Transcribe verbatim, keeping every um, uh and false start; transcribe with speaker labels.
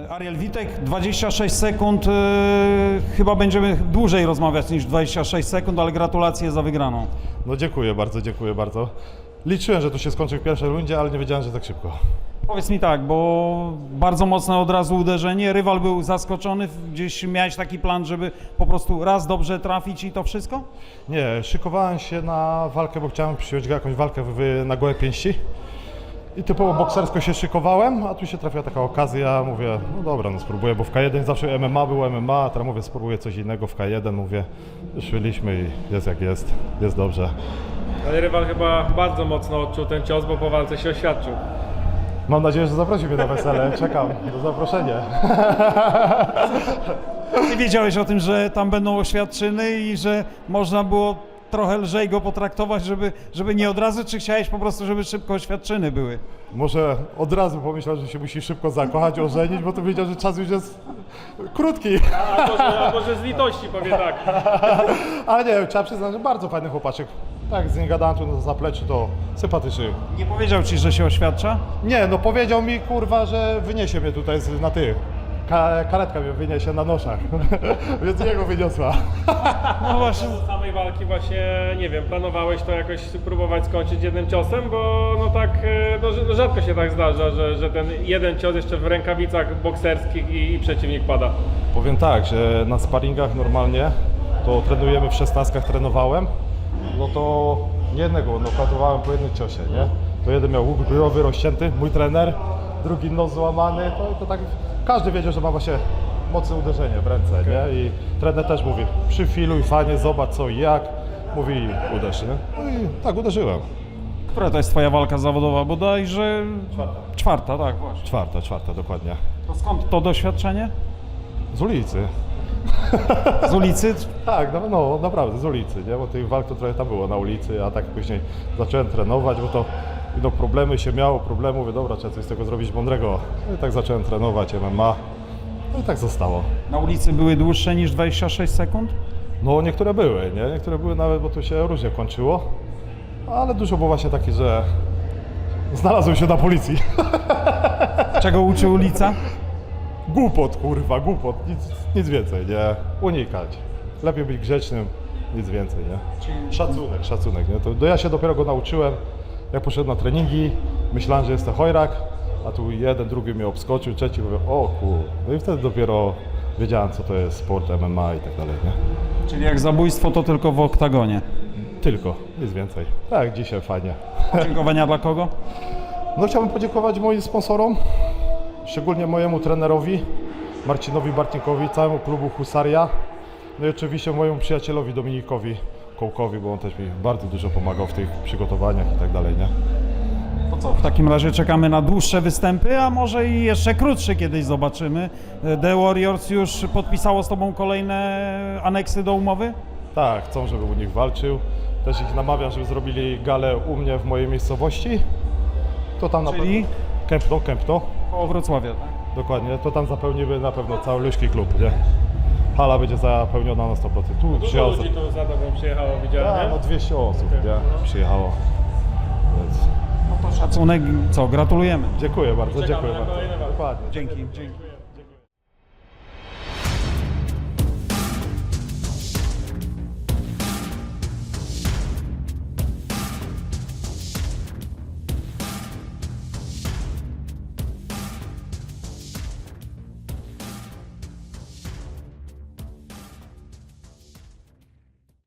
Speaker 1: Ariel Witek, dwadzieścia sześć sekund, yy, chyba będziemy dłużej rozmawiać niż dwadzieścia sześć sekund, ale gratulacje za wygraną.
Speaker 2: No dziękuję bardzo, dziękuję bardzo. Liczyłem, że to się skończy w pierwszej rundzie, ale nie wiedziałem, że tak szybko.
Speaker 1: Powiedz mi tak, bo bardzo mocne od razu uderzenie, rywal był zaskoczony, gdzieś miałeś taki plan, żeby po prostu raz dobrze trafić i to wszystko?
Speaker 2: Nie, szykowałem się na walkę, bo chciałem przyjąć jakąś walkę w, na gołe pięści. I typowo boksersko się szykowałem, a tu się trafiła taka okazja, mówię, no dobra, no spróbuję, bo w K jeden zawsze M M A było M M A, a teraz mówię, spróbuję coś innego w K jeden, mówię, wyszłyliśmy i jest jak jest, jest dobrze.
Speaker 3: Ale rywal chyba bardzo mocno odczuł ten cios, bo po walce się oświadczył.
Speaker 2: Mam nadzieję, że zaprosi mnie na wesele, czekam do zaproszenia.
Speaker 1: Ty wiedziałeś o tym, że tam będą oświadczyny i że można było trochę lżej go potraktować, żeby, żeby nie od razu, czy chciałeś po prostu, żeby szybko oświadczyny były?
Speaker 2: Może od razu pomyślał, że się musi szybko zakochać, ożenić, bo to wiedział, że czas już jest krótki.
Speaker 3: A może, a może z litości powie tak.
Speaker 2: Ale nie, trzeba przyznać, że bardzo fajny chłopaczek. Tak, z nim gadałem tu na zapleczu, to sympatyczny.
Speaker 1: Nie powiedział ci, że się oświadcza?
Speaker 2: Nie, no powiedział mi, kurwa, że wyniesie mnie tutaj z- na tych. Ka karetka mnie wyniesie na noszach, więc jego wyniosła.
Speaker 1: No właśnie.
Speaker 3: Do samej walki właśnie, nie wiem, planowałeś to jakoś próbować skończyć jednym ciosem, bo no tak, e, no, rz- no rzadko się tak zdarza, że, że ten jeden cios jeszcze w rękawicach bokserskich i, i przeciwnik pada.
Speaker 2: Powiem tak, że na sparingach normalnie to trenujemy w szesnastkach, trenowałem, no to nie jednego nokautowałem po jednym ciosie, nie? To jeden miał łuk bryłowy rozcięty, mój trener, drugi nos złamany, to, to tak każdy wiedział, że ma właśnie mocne uderzenie w ręce, nie? I trener też mówi, przyfiluj fajnie, zobacz co i jak, mówi uderz, nie? No i tak uderzyłem.
Speaker 1: Która to jest twoja walka zawodowa? Bodajże
Speaker 2: Czwarta.
Speaker 1: czwarta, tak właśnie.
Speaker 2: Czwarta, czwarta, dokładnie.
Speaker 1: To skąd to doświadczenie?
Speaker 2: Z ulicy.
Speaker 1: Z ulicy?
Speaker 2: Tak, no, no naprawdę z ulicy, nie? Bo tych walk to trochę tam było na ulicy, a tak później zacząłem trenować, bo to no, problemy się miało, problemy, mówię, dobra, trzeba coś z tego zrobić mądrego. No i tak zacząłem trenować M M A, no i tak zostało.
Speaker 1: Na ulicy były dłuższe niż dwadzieścia sześć sekund?
Speaker 2: No niektóre były, nie? Niektóre były nawet, bo to się różnie kończyło, ale dużo było właśnie takie, że znalazłem się na policji.
Speaker 1: Czego uczy ulica?
Speaker 2: Głupot, kurwa, głupot, nic, nic więcej, nie? Unikać. Lepiej być grzecznym, nic więcej, nie? Szacunek, szacunek, nie? To, to ja się dopiero go nauczyłem, jak poszedłem na treningi, myślałem, że jestem chojrak, a tu jeden, drugi mnie obskoczył, trzeci mówię, o kur... No i wtedy dopiero wiedziałem, co to jest sport, M M A i tak dalej, nie?
Speaker 1: Czyli jak zabójstwo, to tylko w oktagonie.
Speaker 2: Tylko, nic więcej. Tak, dzisiaj fajnie.
Speaker 1: Podziękowania dla kogo?
Speaker 2: No chciałbym podziękować moim sponsorom, szczególnie mojemu trenerowi, Marcinowi Bartnikowi, całemu klubu Husaria, no i oczywiście mojemu przyjacielowi Dominikowi Kołkowi, bo on też mi bardzo dużo pomagał w tych przygotowaniach i tak dalej, nie?
Speaker 1: To co, w takim razie czekamy na dłuższe występy, a może i jeszcze krótsze kiedyś zobaczymy. The Warriors już podpisało z tobą kolejne aneksy do umowy?
Speaker 2: Tak, chcą, żeby u nich walczył. Też ich namawiam, żeby zrobili galę u mnie w mojej miejscowości. To tam na
Speaker 1: Czyli?
Speaker 2: pewno... Kępno, Kępno,
Speaker 1: Koło Wrocławia, tak?
Speaker 2: dokładnie. To tam zapełnimy na pewno cały luźki klub, nie? Hala będzie zapełniona na sto procent. Tu
Speaker 3: Dużo
Speaker 2: przyjechało...
Speaker 3: ludzi tu za tobą przyjechało, widziałem,
Speaker 2: A,
Speaker 3: nie?
Speaker 2: no dwieście osób, nie? Przyjechało. Więc
Speaker 1: No to szacunek, co, gratulujemy.
Speaker 2: dziękuję bardzo,
Speaker 3: Czekamy
Speaker 2: dziękuję
Speaker 3: na
Speaker 2: bardzo.
Speaker 3: kolejne walki.
Speaker 2: Dokładnie.
Speaker 1: Dzięki, dzięki.